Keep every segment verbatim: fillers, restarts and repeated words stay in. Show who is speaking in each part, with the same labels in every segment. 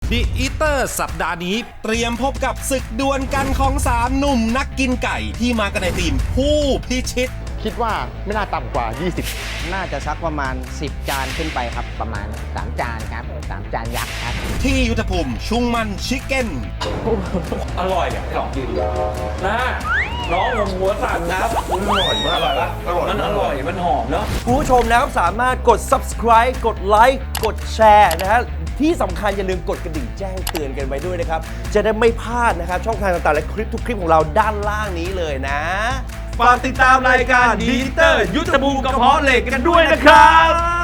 Speaker 1: The Eater สัปดาห์นี้เตรียมพบกับศึกดวลกันของสามหนุ่มนักกินไก่ที่มากันในทีมผู้พิชิต
Speaker 2: คิดว่าไม่น่าต่ำกว่ายี่สิบ
Speaker 3: น่าจะสักประมาณสิบจานขึ้นไปครับประมาณสามจานครับสามจานยักษ์ครับ
Speaker 1: ที่ยุทธภูมิชุงมันชิคเก้น
Speaker 4: อร่อยอ่ะลองกินนะน้องผมหัวสั่นนะครับมันอร่อยมากเลยนะมันอร่อยมันหอมเนาะ
Speaker 5: คุณผู้ชมนะครับสามารถกด Subscribe กดไลค์กดแชร์นะฮะที่สำคัญอย่าลืมกดกระดิ่งแจ้งเตือนกันไว้ด้วยนะครับจะได้ไม่พลาดนะครับช่องทางต่างๆและคลิปทุกคลิปของเราด้านล่างนี้เลยนะฝากติดตามรายการดีเตอร์ยุทธภูมิกระเพาะเหล็กกันด้วยนะครับ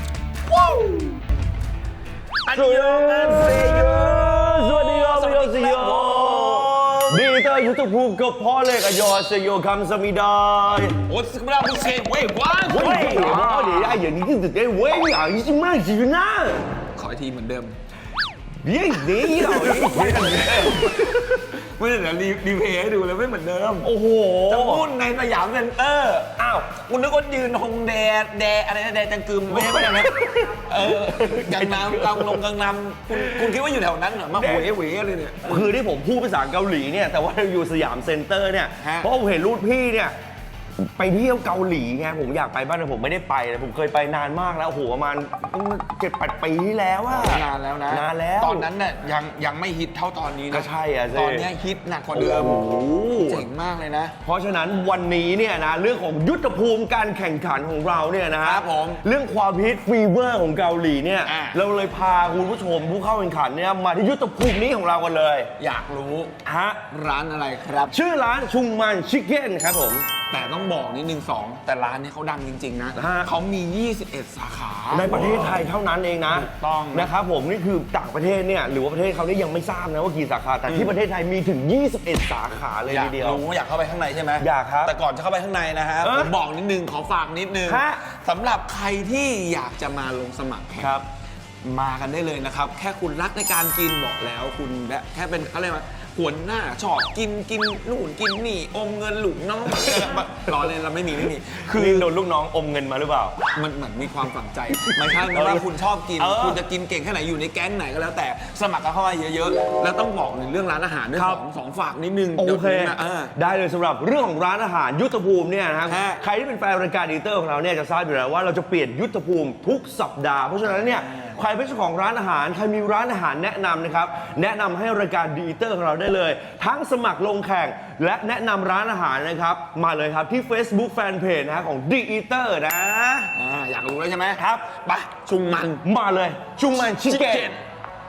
Speaker 5: อันยองเซโยสวัสดีครับสวัสดีครับดีเตอร์ยุทธภูมิกระเพาะเหล็กอันยองเซโยคำสมิดา
Speaker 4: 我怎么让不切喂哇
Speaker 5: 喂我哋啊อย่างนี้ถึงได้喂啊已经慢几分啦
Speaker 4: ขออีกทีเหมือนเดิม
Speaker 5: เฮ้ยนี่เราไม่เหมือนเดิม
Speaker 4: ไม่ได้เดี๋ยวรีเพย์ให้ดูเลยไม่เหมือนเดิม
Speaker 5: โอ้โห
Speaker 4: จะพูดในสยามเซ็นเตอร์อ้าวคุณนึกว่ายืนฮงแดแดอะไรนะแดจังกึมไม่ใช่ไม่ใช่นะเออกังนำกังลงกังนำคุณคุณคิดว่าอยู่แถวนั้นเหรอมาหวยหวยอะไรเนี่ย
Speaker 5: คือที่ผมพูดภาษาเกาหลีเนี่ยแต่ว่าอยู่สยามเซ็นเตอร์เนี่ยเพราะผมเห็นรูปพี่เนี่ยไปเที่ยวเกาหลีไงผมอยากไปบ้างแต่ผมไม่ได้ไปเลยผมเคยไปนานมากแล้วโอ้โหประมาณเจ็ดแปดปีที่แล้วอะ
Speaker 4: นานแล้วนะ
Speaker 5: นานแล้ว
Speaker 4: ตอนนั้นเนี่ยยังยังไม่ฮิตเท่าตอนนี้นะ
Speaker 5: ก็ใช่อะ
Speaker 4: ตอนนี้ฮิตหนักกว่าเดิมเจ๋งมากเลยนะ
Speaker 5: เพราะฉะนั้นวันนี้เนี่ยนะเรื่องของยุทธภูมิการแข่งขันของเราเนี่ยนะครับ
Speaker 4: ผม
Speaker 5: เรื่องความฮิตฟีเวอร์ของเกาหลีเนี่ยเราเลยพาคุณผู้ชมผู้เข้าแข่งขันเนี่ยมาที่ยุทธภูมินี้ของเรากันเลย
Speaker 4: อยากรู้
Speaker 5: ฮะ
Speaker 4: ร้านอะไรครับ
Speaker 5: ชื่อร้านชุงมันชิคเก้นครับผม
Speaker 4: แต่ต้องบอกนิดนึงสองแต่ร้านนี้เขาดังจริงๆนะเขามียี่สิบเอ็ดสาขา
Speaker 5: ในประเทศไทยเท่านั้นเองนะ
Speaker 4: ต้อง
Speaker 5: นะครับผมนี่คือต่างประเทศเนี่ยหรือว่าประเทศเขานี่ยังไม่ทราบนะว่ากี่สาขาแต่ที่ประเทศไทยมีถึงยี่สิบเอ็ดสาขาเลยทีเดียว
Speaker 4: อยากรู้อยากเข้าไปข้างในใช่ไหม
Speaker 5: อยากครับ
Speaker 4: แต่ก่อนจะเข้าไปข้างในนะฮะผมบอกนิดนึงขอฝากนิดนึงสำหรับใครที่อยากจะมาลงสมัคร
Speaker 5: ครับ
Speaker 4: มากันได้เลยนะครับแค่คุณรักในการกินบอกแล้วคุณแค่เป็นอะไรมาหัวหน้าชอบกินกินนู่นกินนี่อมเงินหลุกน้องรอเลยเราไม่มีไม่มี
Speaker 5: คือโดนลูกน้องอมเงินมาหรือเปล่า
Speaker 4: มันเหมือนมีความฝังใจไม่ใช่ไม่ว่าคุณชอบกินคุณจะกินเก่งแค่ไหนอยู่ในแก๊งไหนก็แล้วแต่สมัครกันเข้ามาเยอะๆแล้วต้องบอกในเรื่องร้านอาหารด้วยสองสองฝากนิดนึง
Speaker 5: โอเคได้เลยสำหรับเรื่องของร้านอาหารยุทธภูมิเนี่ยนะครับใครที่เป็นแฟนรายการดีเตอร์ของเราเนี่ยจะทราบอยู่แล้วว่าเราจะเปลี่ยนยุทธภูมิทุกสัปดาห์เพราะฉะนั้นเนี่ยใครเป็นเจ้าของร้านอาหารใครมีร้านอาหารแนะนำนะครับแนะนำให้รายการดีเตอร์ของเราได้เลยทั้งสมัครลงแข่งและแนะนำร้านอาหารนะครับมาเลยครับที่ Facebook Fanpage นะของ The Eater นะ
Speaker 4: อ่าอยากรู้แล้วใช่ไหม
Speaker 5: ครับ
Speaker 4: ไปชุงมัน
Speaker 5: มาเลยชุงมันชิคเก้น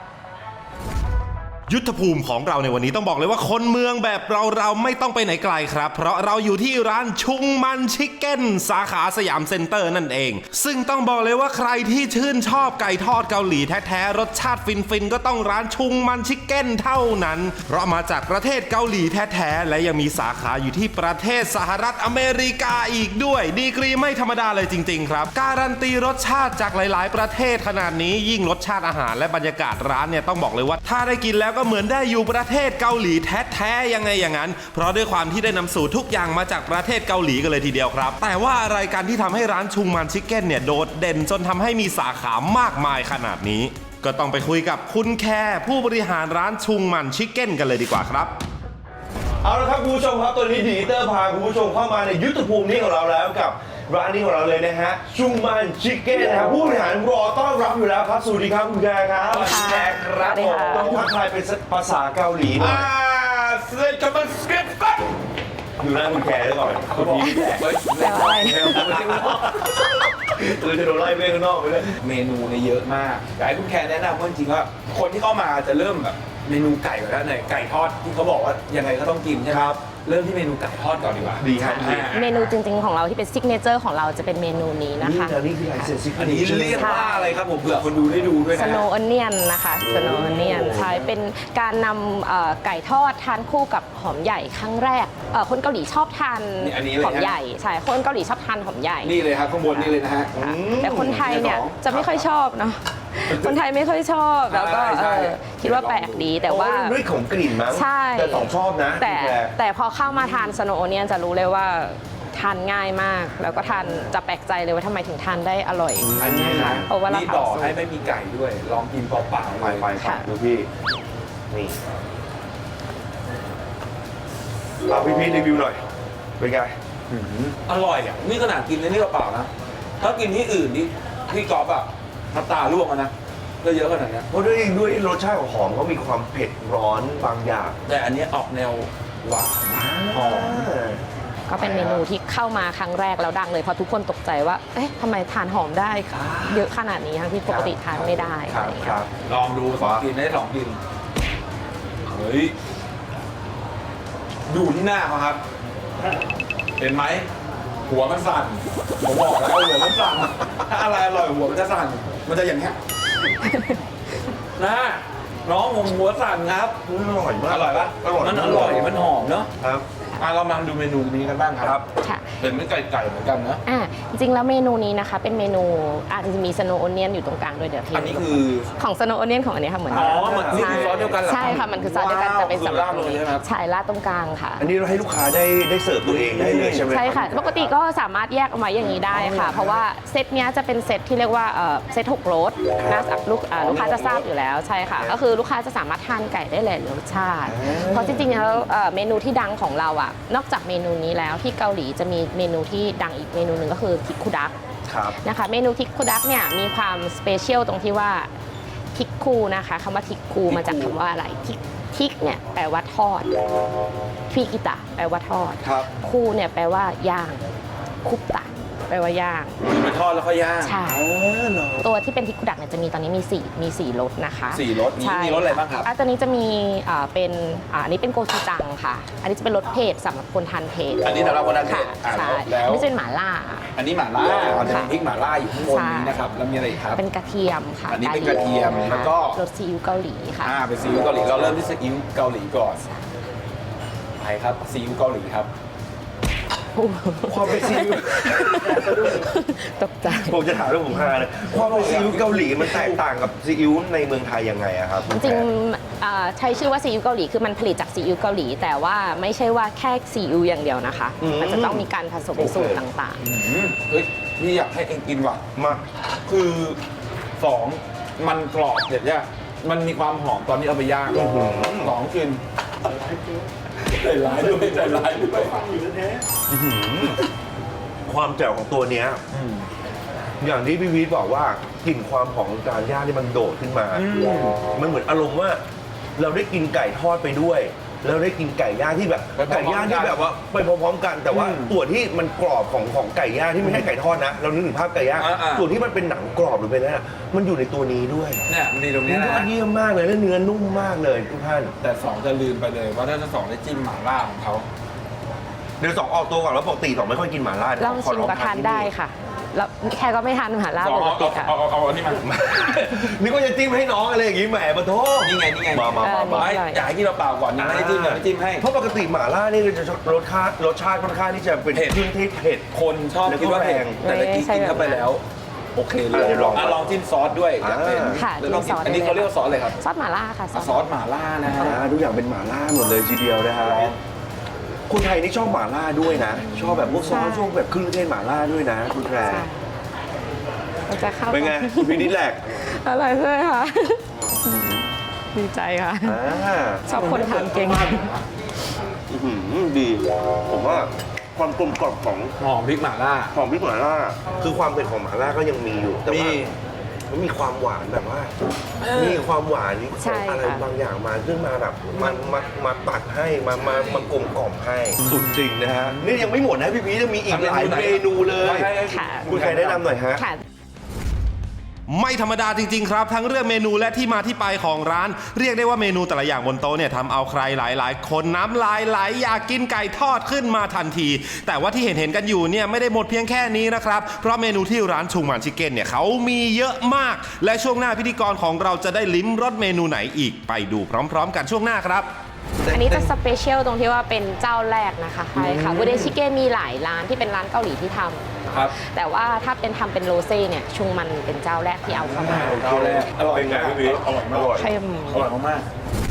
Speaker 1: ยุทธภูมิของเราในวันนี้ต้องบอกเลยว่าคนเมืองแบบเราเราไม่ต้องไปไหนไกลครับเพราะเราอยู่ที่ร้านชุงมันชิคเก้นสาขาสยามเซ็นเตอร์นั่นเองซึ่งต้องบอกเลยว่าใครที่ชื่นชอบไก่ทอดเกาหลีแท้ๆรสชาติฟินๆก็ต้องร้านชุงมันชิคเก้นเท่านั้นเพราะมาจากประเทศเกาหลีแท้ๆและยังมีสาขาอยู่ที่ประเทศสหรัฐอเมริกาอีกด้วยดีกรีไม่ธรรมดาเลยจริงๆครับการันตีรสชาติจากหลายๆประเทศขนาดนี้ยิ่งรสชาติอาหารและบรรยากาศร้านเนี่ยต้องบอกเลยว่าถ้าได้กินแล้วก็เหมือนได้อยู่ประเทศเกาหลีแท้ๆยังไงอย่างนั้นเพราะด้วยความที่ได้นำสูตรทุกอย่างมาจากประเทศเกาหลีกันเลยทีเดียวครับแต่ว่าอะไรกันที่ทำให้ร้านชุงมันชิคเก้นเนี่ยโดดเด่นจนทำให้มีสาขามากมายขนาดนี้ก็ต้องไปคุยกับคุณแคร์ผู้บริหารร้านชุงมันชิคเก้นกันเลยดีกว่าครับ
Speaker 5: เอาละครับคุณผู้ชมครับตอนนี้ดีเตอร์พาคุณผู้ชมเข้ามาในยุทธภูมินี้ของเราแล้วกับร้านนี้ของเราเลยนะฮะชุงมันชิคเก้นนะครับผู้บริหารรอต้อนรับอยู่แล้วครับสวัสดีครับคุณแคร์ครับ
Speaker 3: สวัสดี
Speaker 5: แคร์ครับผมต้องทักทายเป็นภาษาเกาหลีหน่อย
Speaker 4: สวัสดีครับสเก็ตปั๊บ
Speaker 5: ดูหน้าคุณแคร์ด้วยก่อน
Speaker 4: เขาบอก
Speaker 3: แปลว่าอะไร
Speaker 5: เออจะโดนไล่ไปข้างนอกไปเลย
Speaker 4: เมนูเนี่ยเยอะมากอยากให้คุณแคร์แนะนำว่าจริงๆว่าคนที่เข้ามาจะเริ่มแบบเมนูไก่ก่อนแล้วไหนไก่ทอดที่เขาบอกว่ายังไงก็ต้องกินใช่ไหมครับเริ่มที่เมนูไก่ทอดก่อนดีกว่า
Speaker 5: ดีครับ
Speaker 6: เมนูจริงๆของเราที่เป็นซิกเนเจอร์ของเราจะเป็นเมนูนี้นะคะ
Speaker 5: นี่คือไอเซนซิก
Speaker 4: อันนี้เรียกว่าอะไรครับผมเผื่อคนดูได้ดูด้วยนะ
Speaker 6: Snow Onion นะคะ Snow Onion ใช่เป็นการนำไก่ทอดทานคู่กับหอมใหญ่ครั้งแรกคนเกาหลีชอบทานหอมใหญ่ใช่คนเกาหลีชอบทานหอมใหญ่
Speaker 4: นี่เลยครับข้างบนนี่เลยนะฮะ
Speaker 6: แต่คนไทยเนี่ยจะไม่ค่อยชอบเนาะคนไทยไม่ค่อยชอบแล้วก็คิดว่าแปลกดีแต่ว่า
Speaker 5: ด้วยของกลิ่นมั้ง
Speaker 6: ใช่
Speaker 5: แต่สองชอบนะ
Speaker 6: แต่แต่พอเข้ามาทาน Snow Onion จะรู้เลยว่าทานง่ายมาก แล้วก็ทานจะแปลกใจเลยว่าทำไมถึงทานได้อร่อย
Speaker 4: อันนี้นะ
Speaker 6: เพราะว่าเรา
Speaker 4: นี่
Speaker 6: เผา
Speaker 4: ต่อ
Speaker 6: สุก
Speaker 4: ให้ไม่มีไก่ด้วย ลองกินเปล่าๆ
Speaker 5: ไปไป
Speaker 6: ค่ะ
Speaker 5: ดูพี่ นี่เอาพี่พีทรีวิวหน่อย เป็นไง
Speaker 4: อร่อยอ่ะ นี่ขนาดกินเลยนี่เปล่าๆนะ ถ้ากินที่อื่นนี่พี่กอล์ฟอ่ะน้ำตาล่วงอะนะก็เยอะขนาดเนี้ย
Speaker 5: เพราะด้วยด้วยรสชาติของหอมเขามีความเผ็ดร้อนบางอย่าง
Speaker 4: แต่อันนี้ออกแนวหวานหอม
Speaker 6: ก็เป็นเมนูที่เข้ามาครั้งแรกแล้วดังเลยเพราะทุกคนตกใจว่า เอ๊ะทำไมทานหอมได้เยอะขนาดนี้ทั้งที่ปกติทานไม่ได้
Speaker 5: ค
Speaker 6: อะ
Speaker 5: รับ
Speaker 6: ไรอย่าง
Speaker 5: ค
Speaker 6: เงี้
Speaker 5: รั
Speaker 6: ย
Speaker 5: บ
Speaker 4: ลองดูสองกินได้สองกิน เฮ้ย ดูที่หน้าเขาครับ เห็นไหม หัวมันสั่น ผมบอกแล้วหัวมันสั่น ถ้าอะไรอร่อยหัวมันจะสั่น มันจะอย่างเงี้ย นะน้องผมหัวสั่นครับ
Speaker 5: อร่อยมาก
Speaker 4: อร่อยปะ
Speaker 5: อร่อย
Speaker 4: มันอร่อย มันหอมเนาะ
Speaker 5: ครับ
Speaker 4: อ่ะเรามาดูเมนูนี้กันบ้างครับ
Speaker 6: ค่ะ
Speaker 4: เป็นไม่ไก่ไก่เหมือนกันนะ
Speaker 6: อ่าจริงๆแล้วเมนูนี้นะคะเป็นเมนูอาจจะมีสโนว์โอเนียนอยู่ตรงกลางด้วยเดี๋ยวพี่
Speaker 4: อันนี้คือ
Speaker 6: ของสโนว์โอเนียนของอันนี้ค่ะเหมือน
Speaker 4: อ๋อเหมือนนี่คือซอสเดียวกันเหรอ
Speaker 6: ใช่ค่ะมันคือซอสเดียวกันจะเป็น
Speaker 4: ว้าว
Speaker 6: สำหรับ
Speaker 4: คือราดเลยใช่ไหมครับ
Speaker 6: ใช่ราดตรงกลางค่ะ
Speaker 5: อันนี้เราให้ลูกค้าได้ได้เสิร์ฟตัวเองได้เลยใช่ไหม
Speaker 6: ใช่ค่ะ
Speaker 5: รับ
Speaker 6: ปกติก็สามารถแยกออกมาอย่างนี้ได้ค่ะ เพราะว่าเซตเนี้ยจะเป็นเซตที่เรียกว่าเอ่อเซตหกรสนะลูกอ่าลูกค้าจะทราบอยู่แล้วใช่ค่ะ ก็คือลูกค้าจะสามารถทานไก่ได้หลายรสชาติ เพราะจริงๆแล้วเอ่อเมนูที่ดังของเราอ่ะนอกจากเมนูนี้แล้วที่เกาหลีจะมีเมนูที่ดังอีกเมนูหนึ่งก็คือทิกคุดัก
Speaker 5: ครับ
Speaker 6: นะคะเมนูทิกคุดักเนี่ยมีความสเปเชียลตรงที่ว่าทิกคูนะคะคำว่าทิกคูมาจากคำว่าอะไรทิกทิกเนี่ยแปลว่าทอดฟิกิตะแปลว่าทอด
Speaker 5: ครับ
Speaker 6: คูเนี่ยแปลว่าย่างคุปตะแปลว่าย่าง
Speaker 4: คือไปทอดแล้วก็ย่าง
Speaker 6: ใช่ตัวที่เป็นทิกคุดักเนี่ยจะมีตอนนี้มีสี่มีสี่รสนะคะ
Speaker 4: สี่รสมี
Speaker 6: ใช่
Speaker 4: มีรสอะไรบ้างครับ
Speaker 6: อ่ะตอนนี้จะมีอ่าเป็นอ่าอันนี้เป็นโกจูจังค่ะ อันนี้จะเป็นรสเผ็ดสำหรับคนทานเผ็ด
Speaker 4: อันนี้สำหรับคนทานเผ็ด
Speaker 6: ค่ะ
Speaker 4: อ่ะ
Speaker 6: ใช่
Speaker 4: แล้ว
Speaker 6: อันนี้จะเป็นหม่าล่า
Speaker 4: อันนี้หม่าล่า
Speaker 6: ค่ะ
Speaker 4: อันนี้พริกหม่าล่าอยู่ข้างบนนี้นะครับ แล้วมีอะไรอีกครับ
Speaker 6: เป็นกระเทียมค่ะ
Speaker 4: อันนี้เป็นกระเทียม
Speaker 6: ค่ะ
Speaker 4: แล้วก็
Speaker 6: รสซีอิ๊วเกาหลีค่ะ
Speaker 4: อ่าเป็นซีอิ๊วเกาหลี เราเริ่มที่ซีอิ๊วเกาหลีก่อนไปครับซีอิ๊วเกาหลีครับ
Speaker 5: ความเป็นซีอิ๊ว
Speaker 6: ตกใจ
Speaker 5: ผมจะถามเรื่องผมฮาเลยความเป็นซีอิ๊วเกาหลีมันแตกต่างกับซีอิ๊วในเมืองไทยยังไงอะครับ
Speaker 6: จริงๆอ่าใช้ชื่อว่าซีอิ๊วเกาหลีคือมันผลิตจากซีอิ๊วเกาหลี แต่ว่าไม่ใช่ว่าแค่ซีอิ๊วอย่างเดียวนะคะ มันจะต้องมีการผสมสูตรต่าง
Speaker 4: อืมเฮ้ยนี่อยากให้เองกินว่ะ
Speaker 5: มา
Speaker 4: คือสองมันกรอบเสร็จเนี่ยมันมีความหอมตอนนี้เอาไปย่างสองกินใจร้ายด้วยใจร้ายด้วย
Speaker 5: ความแจ่วของตัวเนี้ยอย่างที่พี่วีทบอกว่ากลิ่นความหอมของการย่างที่มันโดดขึ้นมา มันเหมือนอารมณ์ว่า เราได้กินไก่ทอดไปด้วย แล้วได้กินไก่ย่างที่แบบ
Speaker 4: ไปพร้อมๆ
Speaker 5: ไก่ย่างที่แบบว่าไปพร้อมๆกัน แต่ว่า
Speaker 4: อืม
Speaker 5: ส่วนที่มันกรอบของของไก่ย่างที่ไม่ใช่ไก่ทอดนะ เรานึกถึงภาพไก่ย่าง
Speaker 4: อ่าๆ
Speaker 5: ส่วนที่มันเป็นหนังกรอบหรือเป็นอะไรนะมันอยู่ในตัวนี้ด้วย
Speaker 4: เนี่ยมันดีตรง
Speaker 5: มั
Speaker 4: นี้
Speaker 5: นยอ
Speaker 4: นะ
Speaker 5: ดเยี่ยมมากเลยและเนื้อนุ่มมากเลยทุกท่าน
Speaker 4: แต่สองจะลืมไปเลยว่าถ้าจะสองได้จิ้มหม่าล่าของเขา
Speaker 5: เดี๋ยวสองออกตัวก่อนแล้วปกติสองไม่ค่อยกินหม่าล่า
Speaker 6: ๆลองชิมก็ทานได้ค่ะ แล้วแค่ก็ไม่ทานหม่าล่า
Speaker 4: สอง
Speaker 6: ปก
Speaker 4: เอา
Speaker 6: ติ
Speaker 4: เอา
Speaker 6: ค่ะ
Speaker 4: เอาเอาเอาอันนี้มา
Speaker 5: นี่ก็จะจิ้มให้น้องอะไรอย่างงี้แหมปะโท
Speaker 4: นี่ไงนี่ไง
Speaker 5: มามามามา
Speaker 4: ไม่อยากให้กินเปล่าๆก่อนยังไม่ได้จิ้มเลยไม่จิ้มให้
Speaker 5: เพราะปกติหม่าล่านี่จะรสชาติรสชาติค่อนข้างที่จะเป็น
Speaker 4: เผ็ด
Speaker 5: เครื่องเทศเผ็ด
Speaker 4: คนชอบคิดว่าเผ็ด
Speaker 5: แล้วก็แรง
Speaker 4: แต่ตะกี้กินเข้าไปแล้ว โอเคเลย
Speaker 5: อ่ะเดี๋ยวลอง
Speaker 4: ะลองจิ้มซอสด้วยอยากเป็น
Speaker 6: ค่ะ
Speaker 4: แล้วลอง
Speaker 6: จิ้มซอส
Speaker 4: อันนี้
Speaker 6: ได้เลย
Speaker 4: เขาเรียกว่าซอสอะไรครับ
Speaker 6: ซอสหม่าล่าค่ะ
Speaker 4: ซอสหม่าล่านะฮะ
Speaker 5: อ่าทุกอย่างเป็นหม่าล่าหมดเลยทีเดียวนะฮะคนไทยนี่ชอบหม่าล่าด้วยนะ ชอบแบบพวกซอสชอบแบบเครื่องเทศหม่าล่าด้วยนะคุณแพร
Speaker 6: ใช่มันจะเข้า
Speaker 5: เป็นไงคุณพี่นิดแหลก
Speaker 6: อร่อยเลยค่ะ ดีใจค่ะ
Speaker 5: อ่า
Speaker 6: ชอบคนทานเก่ง
Speaker 5: อื้อหือดี ผมว่าความกลมกล่อมของ
Speaker 4: หอมพริกหม่าล่า
Speaker 5: ของพริกหม่าล่าคือความเผ็ดของหม่าล่าก็ยังมีอยู่แต่ว่า
Speaker 4: มี
Speaker 5: มันมีความหวานแบบว่า มีความหวาน
Speaker 6: ใช่
Speaker 5: อะไร
Speaker 6: ค่ะ
Speaker 5: บางอย่างมาซึ่งมาแบบมามามาตัดให้มามามากลมกล่อมให้สุดจริงนะฮะนี่ยังไม่หมดนะพี่พีจะมีอีกหลายเมนูเลย
Speaker 6: ค่ะ
Speaker 5: คุณใครแนะนำหน่อยฮะ
Speaker 6: ค่ะ
Speaker 1: ไม่ธรรมดาจริงๆครับ ทั้งเรื่องเมนูและที่มาที่ไปของร้าน เรียกได้ว่าเมนูแต่ละอย่างบนโต๊ะเนี่ยทำเอาใครหลายๆ คนน้ำลายไหลอยากกินไก่ทอดขึ้นมาทันที แต่ว่าที่เห็นเห็นๆกันอยู่เนี่ยไม่ได้หมดเพียงแค่นี้นะครับเพราะเมนูที่ร้านชุงหมันชิคเก้นเนี่ยเขามีเยอะมาก และช่วงหน้าพิธีกรของเราจะได้ลิ้มรสเมนูไหนอีกไปดูพร้อม ๆ กันช่วงหน้าครับ
Speaker 6: อันนี้จะสเปเชียลตรงที่ว่าเป็นเจ้าแรกนะคะใช่ค่ะบูเดชิเก้มีหลายร้านที่เป็นร้านเกาหลีที่ทำ
Speaker 4: ครับ
Speaker 6: แต่ว่าถ้าเป็นทำเป็นโรเซ่เนี่ยชุงมันเป็นเจ้าแรกที่เอาเข้ามา
Speaker 4: เอาแล้วอร่อย
Speaker 5: เป็นไงพี่พี
Speaker 4: อร่อยมาก
Speaker 5: อร่อย
Speaker 6: เข้ม
Speaker 4: อร่อยมากๆ